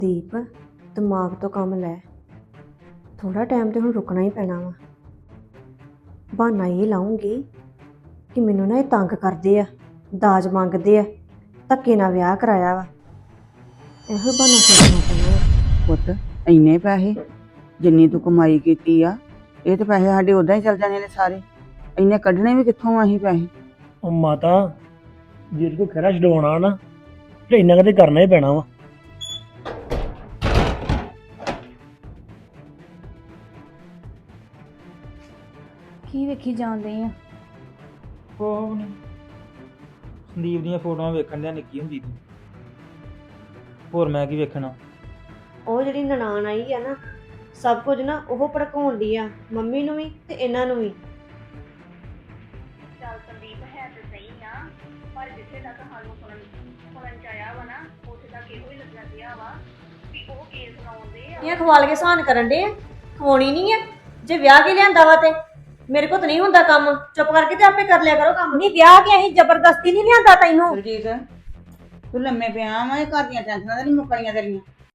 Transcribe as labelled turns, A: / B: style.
A: ਦੀਪ ਦਿਮਾਗ ਤੋਂ ਕੰਮ ਲੈ। ਥੋੜਾ ਟਾਈਮ ਤੇ ਹੁਣ ਰੁਕਣਾ ਹੀ ਪੈਣਾ ਵਾ। ਬਹਾਨਾ ਇਹ ਲਾਉਂਗੀ ਕਿ ਮੈਨੂੰ ਨਾ ਇਹ ਤੰਗ ਕਰਦੇ ਆ, ਦਾਜ ਮੰਗਦੇ ਆ, ਧੱਕੇ ਨਾਲ ਵਿਆਹ ਕਰਾਇਆ ਵਾ। ਇਹੋ ਬਹਾਨਾ ਸੋਚਣਾ ਪੈਣਾ।
B: ਪੁੱਤ ਇੰਨੇ ਪੈਸੇ ਜਿੰਨੀ ਤੂੰ ਕਮਾਈ ਕੀਤੀ ਆ, ਇਹ ਤੇ ਪੈਸੇ ਸਾਡੇ ਉਦਾਂ ਹੀ ਚੱਲ ਜਾਣੇ ਨੇ ਸਾਰੇ। ਇੰਨੇ ਕੱਢਣੇ ਵੀ ਕਿੱਥੋਂ ਆ ਅਸੀਂ ਪੈਸੇ?
C: ਉਹ ਮਾਤਾ ਜੇ ਕੋ ਖਰਾ ਛਡਾਉਣਾ ਨਾ ਤੇ ਇੰਨਾ ਕਦੇ ਕਰਨਾ ਹੀ ਪੈਣਾ ਵਾ।
D: ਕੀ ਵੇਖੀ ਜਾਂਦੇ ਆ?
E: ਕੋਹ ਨਹੀਂ, ਸੰਦੀਪ ਦੀਆਂ ਫੋਟੋਆਂ ਵੇਖਣ ਦਿਆ ਨਿੱਕੀ ਹੁੰਦੀ ਦੀ। ਹੋਰ ਮੈਂ ਕੀ ਵੇਖਣਾ?
A: ਉਹ ਜਿਹੜੀ ਨਨਾਣ ਆਈ ਆ ਨਾ, ਸਭ ਕੁਝ ਨਾ ਉਹ ਭੜਕਾਉਣ ਦੀ ਆ, ਮੰਮੀ ਨੂੰ ਵੀ ਤੇ ਇਹਨਾਂ ਨੂੰ ਵੀ।
F: ਚੱਲ ਸੰਦੀਪ ਹੈ ਤੇ ਸਹੀ ਆ, ਪਰ ਜਿੱਥੇ ਤੱਕ ਸਾਨੂੰ ਸੁਣਨ ਚ ਆਇਆ ਵਾ ਨਾ, ਉੱਥੇ ਤੱਕ ਇਹੋ ਹੀ ਲੱਗਣਾ ਪਿਆ ਵਾ ਵੀ ਉਹ ਕੇਸ ਲਾਉਂਦੇ ਆ।
A: ਇਹ ਖਵਾਲ ਕੇ ਸਹਾਨ ਕਰਨ ਦੇ ਆ, ਖਵਾਉਣੀ ਨਹੀਂ ਆ। ਜੇ ਵਿਆਹ ਕੇ ਲਿਆਂਦਾ ਵਾ ਤੇ ਮੇਰੇ ਕੋਲ ਤਾਂ ਨਹੀਂ ਹੁੰਦਾ ਕੰਮ, ਚੁੱਪ ਕਰਕੇ ਤੇ ਆਪੇ ਕਰ ਲਿਆ ਕਰੋ ਕੰਮ। ਨਹੀਂ ਵਿਆਹ ਕੇ ਅਸੀਂ ਜ਼ਬਰਦਸਤੀ ਨਹੀਂ ਲਿਆਂਦਾ ਤੈਨੂੰ।
B: ਸੁਰਜੀਤ ਤੂੰ ਲੰਮੇ ਪਿਆ ਵਾ, ਇਹ ਘਰ ਦੀਆਂ ਟੈਨਸ਼ਨਾਂ ਤਾਂ ਨਹੀਂ ਮੁੱਕਣੀਆਂ ਤੇਰੀਆਂ।